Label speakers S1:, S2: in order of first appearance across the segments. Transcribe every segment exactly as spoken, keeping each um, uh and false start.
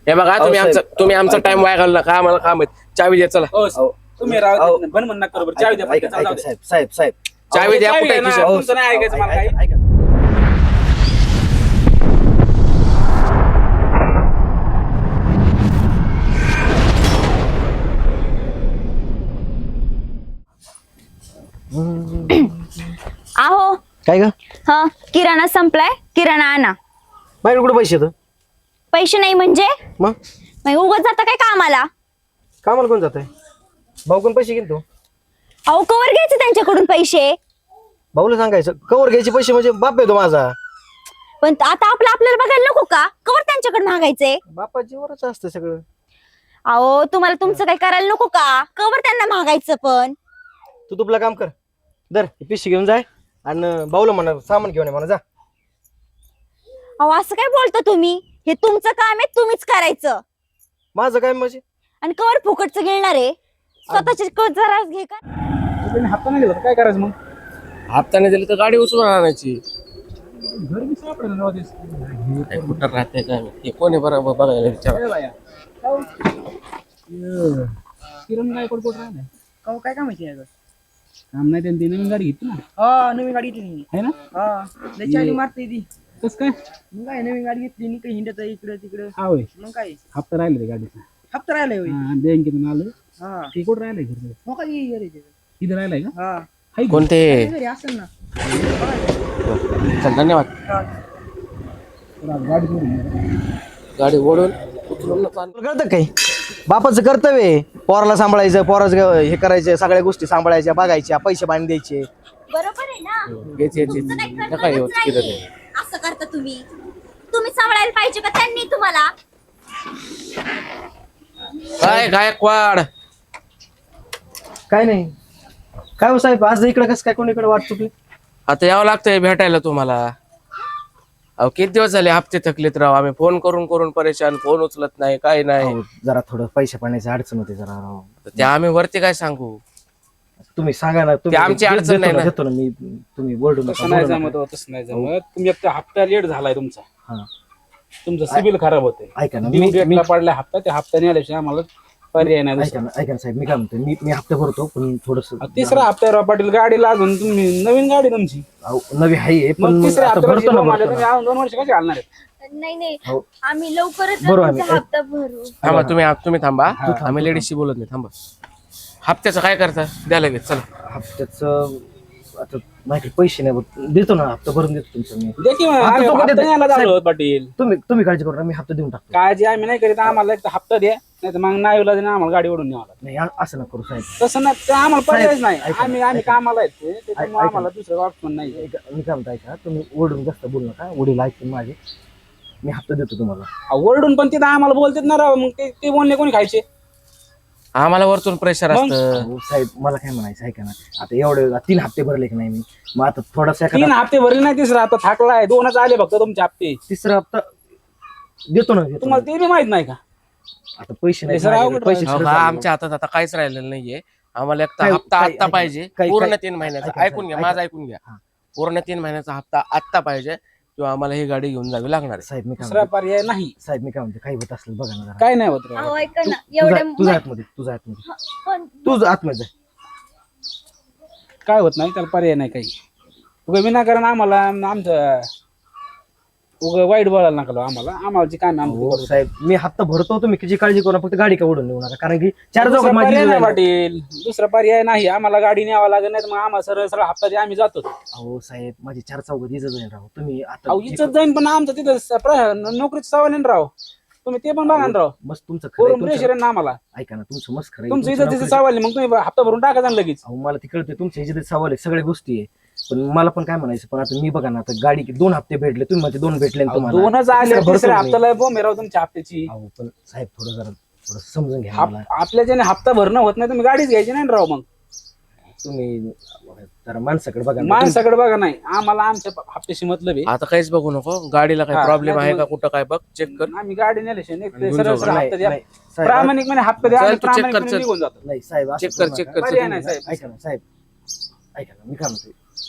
S1: हे बघा तुम्ही आमचा तुम्ही आमचा टाइम वाया घालू नका आम्हाला काम आहे चावी द्या चला
S2: तुम्ही राव बन म्हण नका बरोबर चावी द्या
S3: ऐका ऐका साहेब साहेब साहेब
S1: चावी द्या कुठे
S2: तुमचं नाही ऐकायचं मला काही
S3: ऐका
S4: आहो
S3: काय ग
S4: हा किराणा संपलाय किराणा आणा
S3: बाहेर कुठे पैसे तर
S4: पैसे नाही म्हणजे
S3: मग
S4: मग उगाच जाता काय कामाला
S3: कामाला कोण जात आहे भाऊ कोण पैसे घेतो
S4: अहो कवर घ्यायचे त्यांच्याकडून पैसे
S3: भाऊला सांगायचं कवर घ्यायचे पैसे म्हणजे बाप येतो माझा
S4: पण आता आपलं आपल्याला बघायला नको का कवर त्यांच्याकडे मागायचे
S3: बापाची वरच असतं सगळं
S4: अहो तुम्हाला तुमचं काही करायला नको का कवर त्यांना मागायचं पण
S3: तू तुपलं काम कर दर ही पिशी घेऊन जाय आणि भाऊला म्हणा सामान घेऊन ये म्हणा जा
S4: अहो असं काय बोलता तुम्ही हे तुमचं काम आहे तुम्हीच करायचं
S3: माझं काय म्हणजे
S4: आणि कवर फुकटचं घेणार आहे स्वतःचे क- जरा घे का
S2: तुम्ही हप्ता नाही दिला तर काय करायचं मग
S1: हप्त्याने दिली तर गाडी उचलून आणायची
S2: घर मी सापडेल ना राहतेस.
S1: काय कुठं राहते काय हे कोणी बरोबर बघायला विचार
S2: ए बाया. काहो. ये. किरण काय कोण कोण राहिलाय
S5: काहो काय काम आहे
S2: काम नाही त्यांनी नवीन गाडी घेतली ना
S5: हा नवीन गाडी घेतली
S2: आहे ना
S5: हा लय चाली मारते ती
S2: कस काय
S5: मग काय नवीन गाडी घेतली नाही काही हिंडत इकडे तिकडे
S2: हा होय
S5: मग काय
S2: हप्ता राहिला ते गाडीचा
S5: हप्ता राहिलाय होय
S2: हा, बँकेतून आलं
S5: हा
S2: ते कुठं राहिलंय घर
S5: मग काय घरी ते.
S2: इथं राहिलाय का
S5: हा
S2: हाय का?
S1: कोणते
S5: घरी असेल ना
S1: चल धन्यवाद
S2: तर आज गाडी सोडून दे.
S1: गाडी ओढून उचलून नको आणू.
S3: तुला कळतं काही बापाचं कर्तव्य आहे पोराला सांभाळायचं पोराचं हे करायचं सगळ्या गोष्टी सांभाळायच्या बघायच्या पैसे पाणी द्यायचे
S4: बरोबर आहे ना
S1: घ्यायची यायची
S4: तुमचं काही
S1: नका
S4: कर्तव्यच
S1: येऊ
S4: नाहीये.
S1: किरण
S4: असं करता तुम्ही तुम्ही सांभाळायला पाहिजे का त्यांनी तुम्हाला
S1: काय गायकवाड
S3: काय नाही काय हो साहेब आज इकडे कसं काय कोणीकडे वाट चुकली
S1: आता यावं लागतंय भेटायला तुम्हाला अहो किती दिवस झाले हप्ते थकलेत राव आम्ही फोन करून करून परेशान फोन उचलत नाही काय नाही
S3: अहो, जरा थोडं पैसे पाण्याची अडचण होते जरा राव.
S1: ते आम्ही वरती काय सांगू
S3: तुम्ही सांगा ना तुम्ही
S1: ते आमची
S3: दे-
S1: अडचण
S3: देतो
S1: नाही
S3: ना,
S1: ना.
S3: देतो ना मी तुम्ही बोलू नका,
S2: तसं नाही
S3: बोलू
S2: जमत
S3: नका.
S2: हो, तसं नाही जमत तुम्ही एक हप्ता लेट झालाय तुमचा
S3: हा.
S2: तुमचं सिबिल खराब होते
S3: ऐका ना
S2: ड्यू
S3: मी
S2: डेटला
S3: मी-
S2: पडला हप्ता त्या हप्त्याने आल्याशिवाय आम्हाला पर्याय नाही
S3: ऐका
S2: दुसरा.
S3: ना ऐका ना साहेब मी काय म्हणतो मी मी हप्ते भरतो पण थोडस
S2: अहो, तिसरा हप्त्यावर पाटील गाडी लागून तुम्ही नवीन गाडी तुमची
S3: नवी आहे पण
S2: मग
S3: मग
S2: तिसऱ्या
S3: आता
S2: हप्त्यावर
S3: भरतो ना
S2: जेव्हा आले
S3: भरतो
S2: तुम्ही
S3: ना.
S2: अजून दोन वर्ष कशी घालणार आहेत
S4: नाही नाही
S3: हो.
S4: आम्ही लवकरच
S3: बरोबर
S4: तुमचा
S3: आम्ही-
S4: हप्ता भरू
S1: थांबा तुम्ही तुम्ही थांबा आम्ही लेडीजशी बोलत नाही थांबा हप्त्याचं काय करता द्या लगेच चला
S3: हप्त्याचं आता माझ्याकडे पैसे नाही बघ. देतो ना हप्ता भरून देतो तुमचं मी
S2: दे की मग,
S3: आता
S2: आम्ही
S3: तो कधी
S2: हप्ता
S3: दे-
S2: न्यायला झालो पाटील
S3: तुम्ही तुम्ही काळजी करू नका, मी हप्ता देऊन टाकतो
S2: काळजी आम्ही नाही करीत आम्हाला एक तर हप्ता द्या नाही तर मग नाही आम्हाला गाडी ओढून न्यावा लागतं.
S3: नाही आ- असं नका करू साहेब
S2: तसं नाही ते आम्हाला पर्यायच नाही
S3: ऐका-
S2: आम्ही आम्ही
S3: ऐका.
S2: कामाला आहेत ते, त्याच्यामुळे
S3: ऐका.
S2: आम्हाला दुसरं ऑप्शन नाही
S3: ऐका, मी काय म्हणतो ऐका तुम्ही ओढून जास्त बोलू नका वडील ऐकून माझे मी हप्ता देतो तुम्हाला
S2: अहो, ओरडून पण तिथं आम्हाला बोलतात ना राव मग ते ते बोलणे कोणी खायचे
S1: आम्हाला वरतून प्रेशर
S2: मग?
S1: असतं
S3: अहो, साहेब मला काय म्हणायचं ऐका ना आता एवढे तीन हप्ते भरले की नाही मी मग आता थोडासा
S2: तीन
S3: एखादा
S2: हप्ते भरले नाही तिसरा आता थाकलाय दोनच आले फक्त तुमचे हप्ते
S3: तिसरा हप्ता देतो ना देतो
S2: तुम्हाला
S3: ना.
S2: ते बी माहित नाही का
S3: आता पैसे नाही
S2: हे सर
S3: माझ्याकडे,
S2: अवघड
S3: पैसे
S1: अहो,
S3: सगळे
S1: हा,
S3: चालले.
S1: आमच्या हातात आता काहीच राहिलेलं नाहीये आम्हाला एक तर
S3: काय-
S1: हप्ता
S3: काय-
S1: आत्ता
S3: ऐका-
S1: पाहिजे
S3: काय-
S1: पूर्ण
S3: काय-
S1: तीन महिन्याचा
S3: ऐका-
S1: ऐकून घ्या
S3: ऐका-
S1: माझं ऐकून घ्या
S3: हा.
S1: पूर्ण तीन महिन्याचा हप्ता आत्ता पाहिजे किंवा आम्हाला ही गाडी घेऊन जावी लागणार आहे.
S3: साहेब मी काय
S2: दुसरा
S3: म्हणतो
S2: पर्याय नाही
S3: साहेब मी काय म्हणतो काही होत असलं बघा ना जरा.
S2: काय नाही होत राव.
S4: अहो ऐका ना
S3: तू- तुझा
S4: एवढे
S3: तुझा आतमध्ये तुझा आतमध्ये
S4: पण
S3: तुझ आतमध्ये जा.
S2: काय होत नाही त्याला पर्याय नाही काही उगा विनाकारण आम्हाला आमचं उगा वाईट बोलायला नका लावू आम्हाला आम्हाला जी काम आमचं
S3: हो, साहेब मी हप्ता भरतो तुम्ही किती काळजी करू नका, फक्त गाडी का उडून नेऊ नका कारण की चार
S2: दुसरा
S3: चौकात माझी
S2: पर्याय नाही
S3: जाईल.
S2: पाटील दुसरा पर्याय नाही आम्हाला गाडी न्यावा लागत नाही तर मग आम्हाला सरळ सरळ हप्ता द्या आम्ही जातो
S3: अहो साहेब माझी चार चौकात इज्जत जाईल राव तुम्ही आता
S2: अहो इज्जत जाईन पण आमचं तिथं स- प्र- नोकरीचं सवाल आहे ना राव तुम्ही ते पण बघा ना राव
S3: मस्त तुमचं खरं आहे,
S2: करून प्रेशर
S3: तुमचं-
S2: आहे ना आम्हाला
S3: ऐका ना तुमचं मस्त खरं आहे.
S2: तुमचं
S3: तुमचं
S2: इज्जतीचं
S3: नोकरीचं-
S2: सवाल आहे मग तुम्ही हप्ता भरून टाका ना लगेच
S3: अहो मला ते कळते तुमच्या इज्जतीचा सवाल आहे सगळ्या गोष्टी आहे पण मला पण काय म्हणायचं पण आता मी बघा ना आता गाडी दोन हप्ते भेटले तुम्ही म्हणते दोन भेटले ना
S2: अहो,
S3: तुम्हाला
S2: दोनच आले
S3: तिसरा भरतो
S2: तिसऱ्या
S3: मी.
S2: हप्त्याला बोंब आहे राव तुमच्या हप्त्याची
S3: अहो पण साहेब थोडं जरा थोडं समजून घ्या
S2: हप-
S3: मला
S2: आपल्या ज्याने हप्ता भरणं होत नाही तुम्ही गाडीच घ्यायची नाही ना राव मग
S3: तुम्ही जरा माणसाकडे बघा ना.
S2: माणसाकडे बघा नाही आम्हाला आमच्या हप्त्याशी मतलब आहे
S1: आता काहीच बघू नको गाडीला काही
S2: हा,
S1: प्रॉब्लेम
S2: नाही
S1: आहे
S2: तर
S1: का कुठं काय बघ चेक कर
S2: आम्ही गाडी नेल्याशिवाय नाही, ते
S1: आणि
S2: सरळ
S1: घेऊन
S2: सरळ
S1: जाऊ.
S2: हप्ता द्या
S3: नाही, साहेब,
S2: प्रामाणिकपणे हप्ता द्या
S1: चल,
S2: आणि
S1: तू check कर,
S2: प्रामाणिकपणे
S1: चल.
S2: निघून जातो
S3: नाही साहेब असं
S1: चेक कर
S3: करू
S1: चेक
S3: नका.
S1: कर
S2: पर्याय
S1: check
S2: नाही
S1: कर.
S2: साहेब
S3: ऐका ना साहेब ऐका ना मी काय म्हणतोय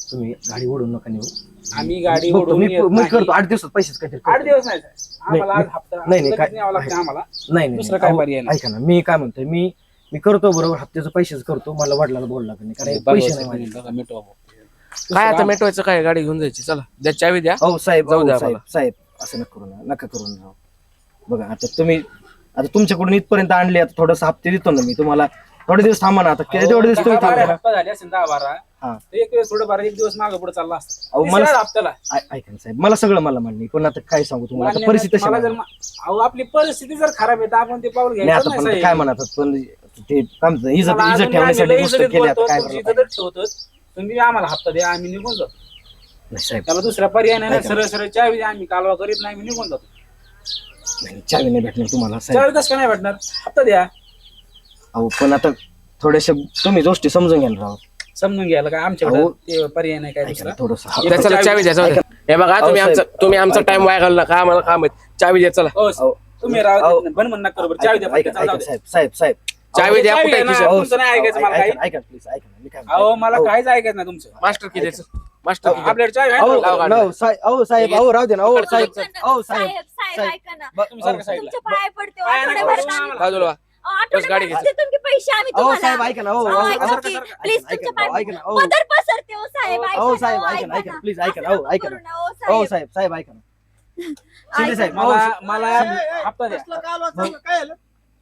S3: तुम्ही गाडी ओढून नका नेऊ.
S2: आम्ही गाडी
S3: बघतो,
S2: ओढून
S3: मी
S2: येत
S3: मी
S2: नाही.
S3: करतो आठ दिवसात पैसेच काहीतरी
S2: आठ
S3: करतो.
S2: दिवस नाही साहेब. आम्हाला आज
S3: नाही,
S2: हप्ता
S3: नाही, नाही,
S2: लगेच
S3: काय-
S2: न्यावं लागतं आम्हाला.
S3: नाही नाही,
S2: दुसरं काय
S3: अहो,
S2: पर्याय नाही.
S3: ऐका ना, मी काय म्हणतोय, मी मी करतो बरोबर, हप्त्याचं पैसेच करतो, मला वडिलाला बोलला नाही कारण
S2: बघा,
S3: पैसे नाही
S2: साहेब,
S3: माझे.
S2: बघा, मिटवा भाऊ.
S1: काय आता
S2: दुसरं
S1: मिटवायचं काय गाडी घेऊन जायची चला द्या चावी द्या
S3: अहो साहेब,
S1: जाऊ
S3: अहो,
S1: द्या
S3: साहेब
S1: मला.
S3: साहेब असं नका करू ना, नका करू ना राव. बघा आता तुम्ही आता तुमच्याकडून इथपर्यंत आणले, आता थोडस हप्ते देतो ना मी तुम्हाला. थोडे दिवस थांबा ना, आता
S2: अहो,
S3: तेवढे दिवस
S2: दहा
S3: तुम्ही
S2: बारा
S3: थांबा.
S2: हप्ता झाले असेल दहा बारा.
S3: हा.
S2: तर एक दिवस थोडं बारा एक दिवस मागे पुढे चालला असता.
S3: अहो, मला-
S2: तिसऱ्या हप्त्याला
S3: ऐ- ऐका ना साहेब, मला सगळं मला मान्य आहे. पण आता काय सांगू तुम्हाला, आता
S2: मान्य
S3: परिस्थिती
S2: नाही,
S3: तशी
S2: मला जर
S3: नाही.
S2: मा- अहो आपली परिस्थिती जर खराब आहे तर आपण ते पाऊल
S3: नाही
S2: घ्यायचं
S3: आता
S2: नाही
S3: पण
S2: साहेब.
S3: काय म्हणतात, पण ते काय म्हणतात, इज्जत
S2: मला
S3: इज्जत
S2: अजून
S3: ठेवण्यासाठी
S2: आम्ही
S3: गोष्ट
S2: लई
S3: केली, आता
S2: बोलतो,
S3: काय
S2: तुमची
S3: करणार?
S2: इज्जत ठेवतो. तुम्ही आम्हाला हप्ता द्या, आम्ही निघून जातो.
S3: नाही साहेब,
S2: त्याला दुसरा पर्याय नाही ना,
S3: ऐका.
S2: सरळ सरळ चावी द्या, आम्ही कालवा करीत नाही, आम्ही निघून जातो.
S3: नाही, चावी नाही भेटणार तुम्हाला साहेब.
S2: चावी कसं काय नाही भेटणार, हप्ता द्या.
S3: अहो पण आता थोड्याशा तुम्ही गोष्टी समजून घ्या ना राव.
S2: समजून घ्यायला काय आमच्याकडे
S3: अहो.
S2: ते पर्याय नाही काय
S3: ऐका
S2: दुसरा.
S3: ना, थोडंसं
S1: द्या, चला चावी द्या जाऊ द्या. हे बघा तुम्ही
S3: अहो,
S1: आमचं
S3: साहेब.
S1: तुम्ही आमचा टाइम वाया घालू नका आम्हाला काम आहे चावी द्या चला
S2: हो,
S3: अहो,
S2: तुम्ही
S3: अहो.
S2: राव बन म्हणणार बरोबर चावी द्या,
S3: ऐका
S2: फक्त
S3: ऐका
S2: जाऊ
S3: ऐका,
S2: द्या.
S3: साहेब साहेब साहेब
S1: चावी द्या
S2: चावी
S1: कुठे
S2: आहे ना.
S1: खिशात?
S3: अहो,
S2: तुमचं नाही ऐकायचं मला
S3: ऐका
S2: काही.
S3: ना, ऐका प्लीज ऐका ना, मी काय
S2: अहो मला
S3: म्हणतो.
S2: काहीच ऐकायचं नाही तुमचं.
S1: मास्टर की द्यायचं मास्टर की द्या.
S2: आपल्याकडे चावी आहे
S3: अहो,
S2: ना?
S1: लावा
S3: अहो,
S1: गाडी.
S3: no, साहेब अहो साहेब अहो राहू दे ना, अहो साहेब अहो साहेब
S4: साहेब साहेब
S3: साहेब.
S4: ऐका ना.
S3: ब-
S2: तुम्ही सारखं
S3: अहो,
S2: साईडला.
S4: तुमच्या पाया पडते
S2: पाया नका
S4: आठवड्याभरात
S2: पडू
S4: आम्ही-
S2: आम्हाला.
S1: बाजूला व्हा.
S4: अहो, आठवड्याभरात
S1: गाडी
S4: देतो की पैसे आम्ही
S3: अहो
S4: तुम्हाला.
S3: साहेब ऐका ना, अहो
S4: अहो,
S3: अहो,
S4: ऐका
S3: अहो,
S4: की,
S3: ऐका ना,
S4: प्लीज
S3: ऐका
S4: तुमच्या
S3: ना,
S4: पाया
S3: ऐका ना, अहो.
S4: पदर पसरते हो साहेब ऐका
S3: अहो
S4: ना,
S3: साहेब
S4: अहो,
S3: ऐका ना, ऐका
S4: ना.
S3: ना, प्लीज ऐका ना,
S4: असं
S3: अहो
S4: नको
S3: ऐका
S4: करू
S3: ना,
S4: ना, अहो,
S3: अहो
S4: साहेब.
S3: साहेब साहेब ऐका ना, शिंदे
S4: ऐका
S3: साहेब
S4: ना.
S3: अहो,
S2: मला मला
S5: ए, ए,
S2: हप्ता द्या.
S5: कसलं कालवा चाललं, काय झालं?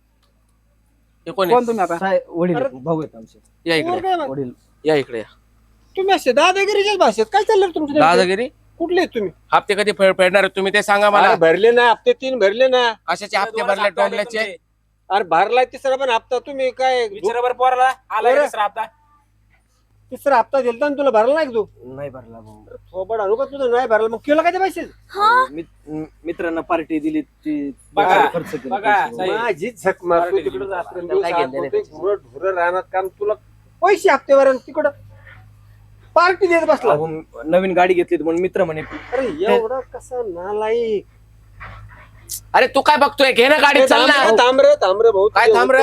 S1: हे कोण आहे?
S2: कोण तुम्ही आता?
S3: साहेब वडील आहेत, भाऊ आहेत आमचे
S1: या इकडे
S5: पोर काय बा-
S3: वडील.
S1: या इकडे या.
S5: तुम्ही असे दादागिरीच्याच भाषेत काय चाललं रे तुमचं नेमकं?
S1: दादागिरी
S5: कुठले आहेत तुम्ही
S1: हप्ते कधी फे- फेडणार आहे? तुम्ही ते सांगा मला
S6: अरे भरले ना हप्ते तीन भरले ना.
S1: कशाचे हप्ते
S2: दोन
S1: भरले
S2: हप्ते आले
S1: टोंबल्याचे
S2: तुमचे.
S6: अरे भरलाय तिसरा पण हप्ता. तुम्ही काय
S2: विचारा बरं पोराला आला
S6: बरं.
S2: तिसरा हप्ता.
S6: तिसरा हप्ता दिलता ना तुला भरला नाही का तू?
S3: नाही भरला भाऊ.
S6: थोबड आणू का तुझं नाही भरला मग केलं काय ते पैसे?
S4: हा?
S3: मित- मित्रांना पार्टी दिली ती
S2: बघा,
S3: खर्च केला
S2: बघा,
S3: पैसे.
S2: साहेब.
S6: माझी झक मारतो
S2: पार्टी
S6: तिकडे
S2: दिली.
S6: रात्रंदिवस
S1: काय घेणं देणं
S6: आत होते, घुरं ढुरं राहणार काम तुला पैसे हप्तेवर आणि तिकडं पार्टी देत बसला.
S3: अहो, नवीन गाडी घेतली म्हणून मित्र म्हणे
S6: अरे एवढा कसा नालायक.
S1: अरे तू काय बघतोय घे ना गाडी चल ना
S6: थांब रे थांब रे भाऊ.
S1: काय थांब रे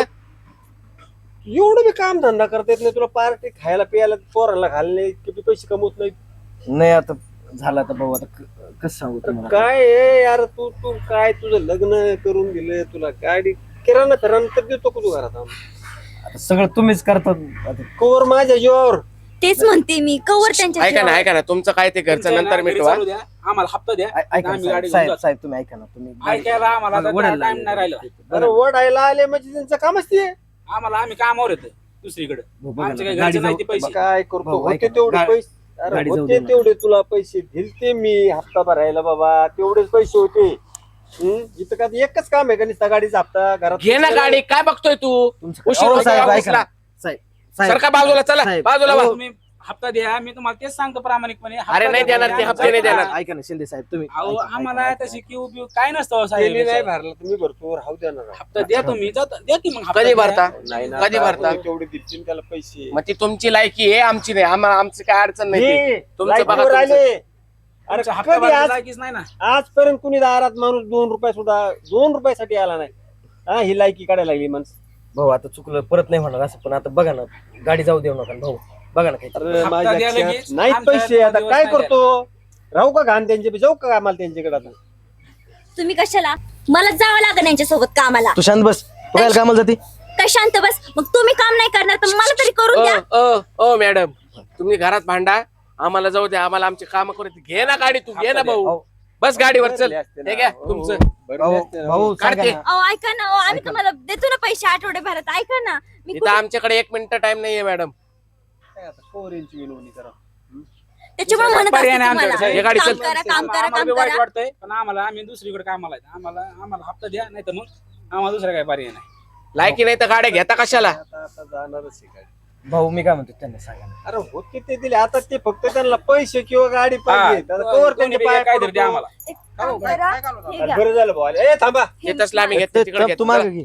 S6: एवढं बी काम धंदा करता येत नाही तुला. पार्टी खायला पियाला पोराला घालणे किती पैसे कमवत नाही.
S3: नाही आता झाला तर भाऊ, आता क- कसं सांगू तुम्हाला.
S6: काय आहे यार तू तू काय तुझं लग्न करून दिलं तुला गाडी किराणा फिराणा तर देतो का तू घरात आणून?
S3: आता सगळं तुम्हीच करतात आता.
S6: कोवर माझ्या जीवावर.
S4: तेच म्हणते मी कवर त्यांच्या
S1: ऐका ना
S4: जीवावर.
S1: ऐका ना तुमचं काय ते घरचं
S2: तुमच्या
S1: नंतर
S2: घरी
S1: मिटवा
S2: चालू द्या, आम्हाला हप्ता द्या.
S3: ऐ- ऐका ना
S2: आम्ही
S3: साहेब
S2: गाडी घेऊन
S3: साहेब
S2: जातो.
S3: साहेब, तुम्ही ऐका ना, तुम्ही गाडी-
S2: ऐकायला आम्हाला आता
S3: वडायला
S2: टाइम नाही राहिला.
S6: अरे वडायला आले म्हणजे त्यांचं कामच ते.
S2: आम्हाला आम्ही कामावर येतो दुसरीकडे.
S3: भाऊ, बघा
S2: आमच्या
S3: ना,
S2: काही
S3: गाडी
S2: घरचे नाही ते
S3: जाऊ-
S2: पैसे.
S6: काय करतो
S3: भाऊ,
S6: होते
S3: ऐका ना,
S6: तेवढे
S3: गा-
S6: पैसे. अरे
S3: गाडी जाऊ
S6: होते
S3: दे ना.
S6: तेवढे तुला पैसे दिलते मी हप्ता भरायला बाबा. तेवढेच पैसे होते. हम्म? इथं का एकच काम आहे का नुसता गाडीचा हप्ता घरात.
S1: घे ना गाडी काय बघतोय तू
S3: तुमचं-
S1: उशीर
S3: अहो,
S1: होतो
S3: साहेब
S1: या
S3: ऐका
S1: ऑफिसला.
S3: ना, साहेब साहेब
S1: सरका बाजूला चला
S3: साहेब.
S1: बाजूला वा.
S2: तुम्ही हप्ता द्या, मी तुम्हाला तेच सांगतो प्रामाणिकपणे. हप्ता
S1: अरे नाही
S2: द्या,
S1: देणार ते,
S2: आम्ही
S1: हप्ते नाही
S2: जाऊ
S1: देणार.
S2: का?
S3: ऐका ना शिंदे साहेब, तुम्ही
S2: अहो
S3: ऐका ना,
S2: आम्हाला
S3: ऐका ना,
S2: तशी किव बिव काय नसतं हो
S6: त्यांनी नाही
S2: साहेब.
S6: भरला तुम्ही भरतो राहू द्या ना.
S2: हप्ता द्या तुम्ही जाता- द्या की मग हप्ता
S1: कधी
S2: द्या.
S1: भरता
S6: नाही ना,
S1: कधी भरता
S6: आपण तेवढे दिलतील त्याला पैसे.
S1: मग ती तुमची लायकी आहे आमची नाही आम्हाला आमची काय अडचण नाही ती.
S6: हे,
S1: तुमचं
S6: लाईटवर
S1: बघा तुमचं.
S6: आले. अरे
S2: तुमचा हप्ता
S6: कधी
S2: भरायला
S6: आज
S2: लायकीच नाही ना.
S6: आजपर्यंत कुणी दारात माणूस दोन रुपये सुद्धा दोन रुपयासाठी आला नाही. हा ही लायकी काढायला लागली माणसं.
S3: भाऊ आता चुकलं परत नाही होणार असं, पण आता बघा ना गाडी जाऊ देऊ नका ना, भाऊ बघा ना काही.
S6: अरे
S2: हप्ता
S6: माझ्या
S2: द्या
S6: खिशात
S2: लगेच.
S6: नाहीत
S2: आमच्या
S6: पैसे. आता
S2: दिवस
S6: काय
S2: नाही
S6: करतो राहू का घाण त्यांचे जाऊ का आम्हाला त्यांच्याकडे आता.
S4: तुम्ही कशाला मला जावं लागेल यांच्यासोबत कामाला.
S3: तू शांत बस, तू काय कामाला जाते.
S4: काय शांत बस. मग तुम्ही काम नाही करणार तर मला तरी करून द्या.
S1: ओ ओ ओ मॅडम तुम्ही घरात भांडा आम्हाला जाऊ द्या आम्हाला आमचे काम करू दे. घे ना गाडी तू घे ना भाऊ बस गाडीवर चल. हे घ्या तुमचं
S3: भाऊ भाऊ सांगा
S1: काढते.
S3: ना.
S4: अहो ऐका ना, अहो, आम्ही तुम्हाला देतो ना पैसे आठवड्याभरात. ऐका ना मी
S1: इथं आमच्याकडे एक मिनिट टाइम नाहीये मॅडम.
S6: काय आता पोरींची विनवणी करा.
S4: त्याच्यामुळे म्हणत
S2: पर्याय
S4: असते
S2: नाही
S4: तुम्हाला
S2: आमच्याकडे.
S1: हे गाडी
S4: काम
S1: चल.
S4: करा काम करा
S2: आम्हाला
S4: काम
S2: बी वाईट
S4: करा.
S2: वाटतंय पण आम्हाला आम्ही दुसरीकडे कामाला आहे. आम्हाला आम्हाला हप्ता द्या नाही तर मग आम्हाला दुसरा काय पर्याय नाही.
S1: लायकी नाही तर गाड्या घेता कशाला.
S6: आता आता जाणारच आहे गाडी.
S3: भाऊ मी काय म्हणतो त्यांना सांगा ना.
S6: अरे होते ते दिले आता ते फक्त त्यांना पैसे किंवा गाडी पाहिजे. आता
S2: हा,
S6: कवर
S2: कोणी
S6: त्यांचे
S2: बी
S6: पाय
S2: काहीतरी द्या
S6: पडतो.
S2: आम्हाला.
S4: एक काम करा, हे घ्या.
S6: बरं झालं भाऊ आले. ए थांबा.
S1: हे तसलं आम्ही घेतो तिकडे
S3: ते- तू मागं
S1: घेतो.
S3: घे.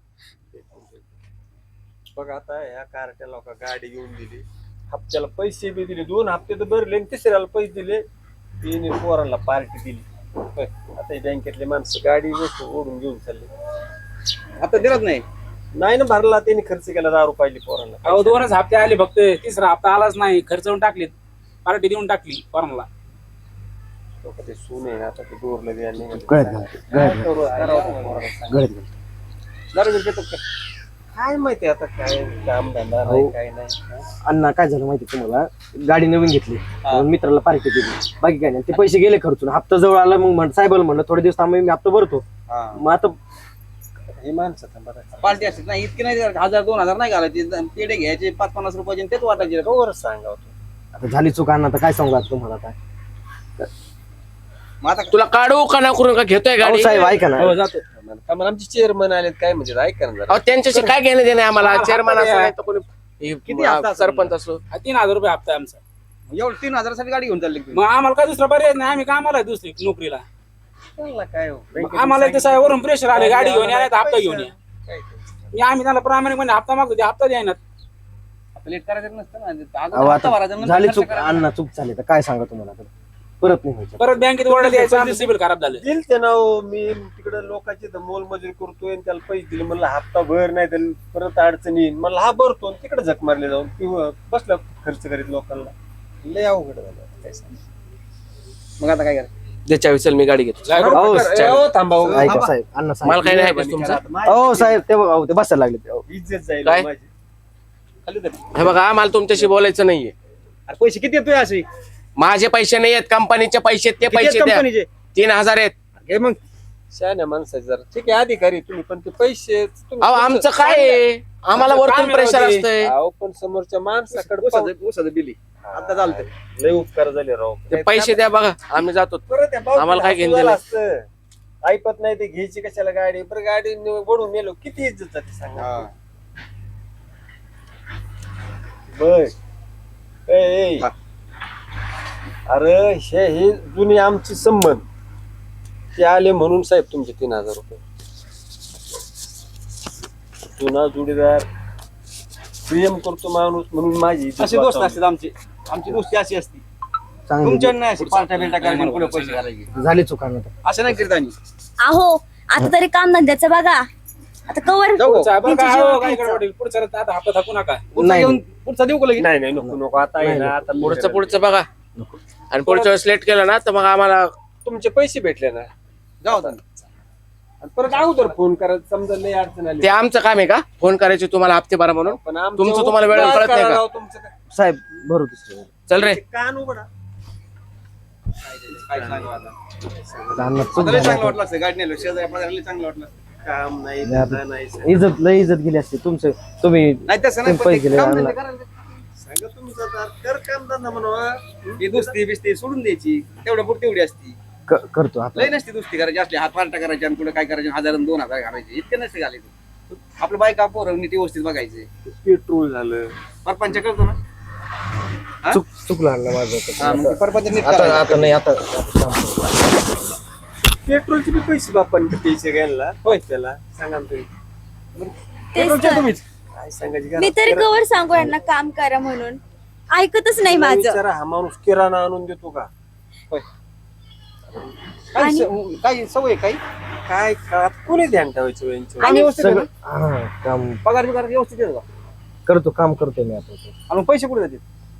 S6: बघ आता ह्या कारट्या लोक गाडी घेऊन दिली. हप्त्याला पैसे बी दिले. दोन हप्ते तर भरले आणि तिसऱ्याला पैसे दिले. तिने पोरांना पार्टी दिली. होय. आता ही बँकेतले माणसं गाडी गोष्ट ओढून घेऊन चालले.
S5: आता दिलत नाही.
S6: नाही ना भरला त्यांनी खर्च केला दारू पाहिली पोरांना.
S2: अहो दोनच हप्ते आले फक्त तिसरा हप्ता आलाच नाही. खर्च होऊन टाकलेत. पार्टी देऊन टाकली पोरांना.
S6: लोक ते सून आहे ना, आता ते दोरलं द्या निघाले.
S3: गळ्यात घालते,
S6: काय
S3: गळ्यात
S6: करू? करावं ते पोराला सांग.
S3: गळ्यात घालते.
S6: दारू बिरू पितो का? काय माहिती आता काय काम धंदा नाही काय नाही हा?
S3: अण्णा काय झालं माहिती तुम्हाला, गाडी नवीन घेतली म्हणून मित्राला पार्टी दिली, बाकी काय नाही. ते पैसे गेले खर्चून. हप्ता जवळ आला, मग म्हण साहेबाला म्हणलं थोडे दिवस थांबा, मी हप्ता भरतो. मग आता
S6: हे माणसं थांबा
S7: पार्टी असते नाही इतके नाही हजार दोन हजार नाही घालायचे पेढे घ्यायचे पाच पन्नास रुपयाचे तेच वाटायचे.
S6: बरोबरच सांगावं तू.
S3: आता झाली चूक अण्णा, आता काय सांगू आता तुम्हाला काय.
S7: मग आता
S1: तुला काढू का ना करून का घेतोय
S3: अहो
S1: गाडी?
S3: साहेब ऐका ना,
S2: हो जातो.
S6: का मला आमचे चेअरमन आलेत काय म्हणजे ऐका ना जरा.
S1: अहो त्यांच्याशी काय घेणं देणं आहे आम्हाला? चेअरमन असो नाही तर कोणी
S7: किती हप्ता
S1: हे,
S7: असेल?
S1: सरपंच असो.
S2: हा, तीन हजार रुपये हप्ता आहे आमचा.
S7: एवढं तीन हजारासाठी गाडी घेऊन चालली तुम्ही.
S2: मग आम्हाला काय दुसरा पर्याय नाही, आम्ही कामाला आहे दुसरी नोकरीला.
S6: त्याला काय हो?
S2: मग आम्हाला ते साहेब वरून प्रेशर आले, गाडी घेऊन या नाही तर हप्ता घेऊन या.
S6: काय ते?
S2: मी आम्ही त्याला प्रामाणिकपणे हप्ता मागतो, ते हप्ता द्यायनात.
S7: आपलं लेट करायचं नसतं ना
S3: अहो
S7: अगोदर हप्ता भरायचा,
S3: आता
S7: नंतर
S3: झाली
S7: खर्च
S3: चूक
S7: करायचा.
S3: अण्णा, चूक झाली तर काय सांगा तुम्हाला आता. परत नाही व्हायचं.
S2: परत बँकेत ओरडा द्यायचा, सिबिल खराब झालं.
S6: दिल ते ना हो, मी तिकडे लोकांची मोलमजुरी करतोय आणि त्याला पैसे दिले, म्हणलं हप्ता भर नाही तर परत अडचण येईल, म्हणलं हा भरतो आणि तिकडे झक मारले जाऊन किंवा बसला खर्च करीत लोकांना. लय अवघड झालं काय सांग.
S7: मग आता काय करायचं?
S1: ज्याच्या विचार मी गाडी घेतो.
S3: अहो,
S6: हो, थांबा हो.
S3: ऐका साहेब, अण्णा
S1: मला
S3: साहेब.
S1: काही नाही ऐकायचं तुमचं.
S3: हो साहेब, ते बघा, अहो, ते बसायला लागले ते, अहो.
S6: इज्जत जाईल
S1: काय?
S6: हो माझी. खाली धर.
S1: हे बघा आम्हाला तुमच्याशी बोलायचं नाहीये.
S7: अरे पैसे किती येतोय असे
S1: माझे पैसे नाही आहेत, कंपनीचे पैसे आहेत, ते पैसे द्या.
S7: कंपनीचे
S1: तीन हजार आहेत.
S7: घे मग.
S6: शहाण्या माणसाचे जरा ठीक आहे अधिकारी तुम्ही, पण ते पैसे तुम्ही-
S1: अहो आमचं काय आहे? आम्हाला वरतून प्रेशर असतंय.
S6: अहो, पण समोरच्या माणसाकडे पाहून-
S7: ऊसाचं ऊसाचं बिल आहे. आता चालतंय.
S6: लय उपकार झाले राव.
S1: ते पैसे द्या बघा, आम्ही जातो.
S6: परत त्या भावकीला
S1: आम्हाला काय घेणं
S6: हसू
S1: देणं?
S6: आलं असतं. ऐकत नाही ते घ्यायची कशाला गाडी, बरं गाडी वडून नेलो किती इज्जत जाते सांगा. बर ए, ए. अरे हे हे जुनी आमची संबंध ते आले म्हणून साहेब तुमचे तीन हजार रुपये. जुना जोडीदार प्रेम करतो माणूस म्हणून माझी इज्जत
S7: असे दोस्त
S6: वाचवली.
S7: असतात आमचे आमची दोस्ती अशी असती.
S3: चांगली
S7: तुमच्या नाही अशी पार्ट्या बिल्ट्या करायला कुठे पैसे घालायचे
S3: झाली चूक अण्णा.
S7: असं नाही करीत आम्ही.
S4: अहो आता तरी काम धंद्याचं बघा. आता कवर
S7: जाऊ
S2: पुढचा आपण
S4: तुमची
S2: काय
S4: जेवण
S2: हो, काय
S4: खायचं.
S2: गडबड? पुढचा रस्ता आता हप्ता थकू नका.
S7: पुढचा
S3: नाही.
S7: घेऊन पुढचा देऊ का लगेच?
S6: नाही नाही नको नको आता आहे ना आता
S1: पुढचं पुढचं बघा आणि पुढच्या वेळेस लेट केलं ना तर मग आम्हाला
S6: तुमचे पैसे भेटले ना
S7: जाऊ आता.
S6: आणि परत अगोदर फोन करायचं समजा लय अडचण आली
S1: ते आमचं काम आहे का फोन करायचे तुम्हाला हप्ते भरा म्हणून?
S6: पण आमचं
S1: तुमचं तुम्हाला वेळेवर
S6: उपकार
S1: कळत नाही का?
S6: करा राव तुमचं काय.
S3: साहेब भरू दुसरं.
S1: चल रे.
S6: ते कान उघडा.
S7: काय सांगू आता.
S3: आता अण्णा चूक
S7: आता लय
S3: झाली
S7: चांगलं
S3: आता.
S7: वाटलं असतं गाडी नेलो शेजारी आपल्याला लय चांगलं वाटलं.
S6: काम नाही
S3: नाही,
S6: धंदा नाही सांगा
S3: इज्जत लय इज्जत गेली असते तुमचं. तुम्ही
S7: नाही तसं नाही
S3: तुम्ही
S7: पण
S3: पैसे
S7: ते
S3: दिले
S7: काम
S3: अण्णा.
S7: धंदे करायला.
S6: तुमचं तर कर काम धंदा म्हणा.
S7: ही दुसती बिस्ती सोडून द्यायची तेवढ्या पुरती एवढी असती.
S3: क- करतो आता.
S7: लय नसती दुसती करायची असली हात फारटा करायची आणि कुठे काय करायचे हजार आणि दोन हजार घालायचे इतके नसते घालायचे. आपलं बायका पोरं नीट व्यवस्थित बघायचे.
S6: पेट्रोल झालं
S7: परपंच करतो ना. हा?
S3: चुक चुकलं अण्णा माझं
S7: हा,
S3: आता.
S7: मग ते परपंच नीट
S3: आता
S7: करायचं.
S3: आता नाही आता आता काम करतो.
S6: पेट्रोलचे बी पैसे बापांनी पैसे घ्यायला होय त्याला सांगा ना तुम्ही.
S4: तेच
S7: पेट्रोलच्या
S4: तर.
S7: तुम्हीच.
S6: काय सांगायची
S4: मी
S6: गरज?
S4: तरी कवर सांगू यांना काम करा म्हणून, ऐकतच नाही
S6: त्याला
S4: माझं.
S6: विचारा हा माणूस किराणा आणून देतो का?
S7: काय
S4: आणि-
S7: स- काय सवय काही
S6: काय का कोणी ध्यान ठेवायचं यांच्यावर?
S7: काम व्यवस्थित आहे
S3: सगळं
S7: ना?
S3: हा काम
S7: पगार बिगार व्यवस्थित येतो का?
S3: करतो काम करतो मी आता.
S7: आणि मग पैसे कुठे जातील?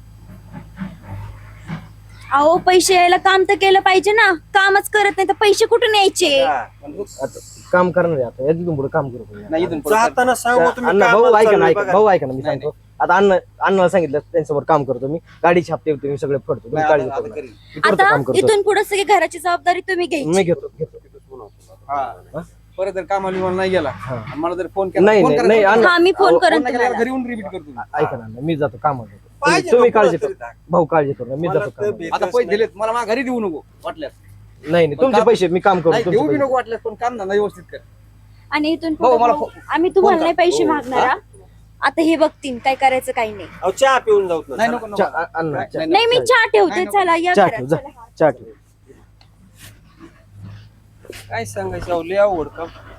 S4: अहो पैसे यायला काम तर केलं पाहिजे ना. कामच करत नाही तर पैसे कुठून यायचे?
S6: हा.
S3: आता काम करणार आहे आता. यातून पुढे काम करू आपण.
S7: नाही इथून पुढं
S6: जाताना सांगू तुम्ही
S3: अण्णा भाऊ
S6: कामाला
S3: ऐका ना
S6: चाललोय
S3: ऐका
S6: बघा.
S3: भाऊ ऐका ना मी
S7: नाही,
S3: सांगतो. आता अण्णा अण्णाला सांगितलं त्यांच्यावर काम करतो मी. गाडीची हप्ते बिप्ते मी सगळे फडतो. तुम्ही
S7: नाही,
S3: काळजी
S7: आता-
S3: करू
S7: आता
S3: नका.
S7: करीन.
S3: मी करतो
S4: आता
S3: काम करतो.
S4: इथून पुढे सगळी घराची जबाबदारी तुम्ही
S3: मी
S4: घ्यायची.
S3: घेतो घेतो.
S7: हा. परत जर कामाला बिमाला नाही गेला
S3: हा.
S7: आणि मला जर फोन केला
S3: नाही
S7: फोन
S3: नाही
S7: करायचा.
S3: नाही अण्णा
S4: हा मी फोन
S3: अहो,
S4: करेन
S7: फोन नाही केला,
S4: तुम्हाला.
S7: घरी येऊन रिपीट करतो मी.
S3: ऐका ना अण्णा, मी जातो कामाला.
S6: पाहिजे
S3: तुम्ही- तुम्ही
S6: नको
S3: काळजी
S6: तरी
S3: करू.
S6: टाक.
S3: भाऊ काळजी करू नका. मी
S6: मला
S3: जातो
S6: तर
S3: कामाला.
S6: भेटच
S7: आता पैसे
S6: नाही.
S7: दिलेत मला माझ्या घरी देऊ नको वाटल्यास.
S3: नाही नाही
S7: पण
S3: तुमचे
S7: काम-
S3: पैसे मी काम
S7: नाही
S3: करतो.
S7: देऊ
S3: तुमचे
S7: बी
S3: पैसे.
S7: नको वाटल्यास पण काम धंदा व्यवस्थित कर.
S4: आणि इथून
S7: भाऊ,
S4: पुढे
S7: मला
S4: भाऊ,
S7: फो-
S4: आम्ही तुम्हाला
S7: फोन
S4: नाही
S7: करा.
S4: पैसे
S7: हो.
S4: मागणार हा. आता हे बघतील काय करायचं काही नाही.
S6: अहो, चहा पिऊन जाऊ ना.
S7: नाही
S6: चला.
S7: नको नको.
S3: चा- अ- अण्णा चा-
S4: नाही मी चहा ठेवते.
S7: नाही,
S4: चला या
S3: चहा
S4: घरात,
S3: ठेव जा.
S4: चला.
S3: चहा ठेव.
S6: काय सांगायचं अहो, लय अवघड काम.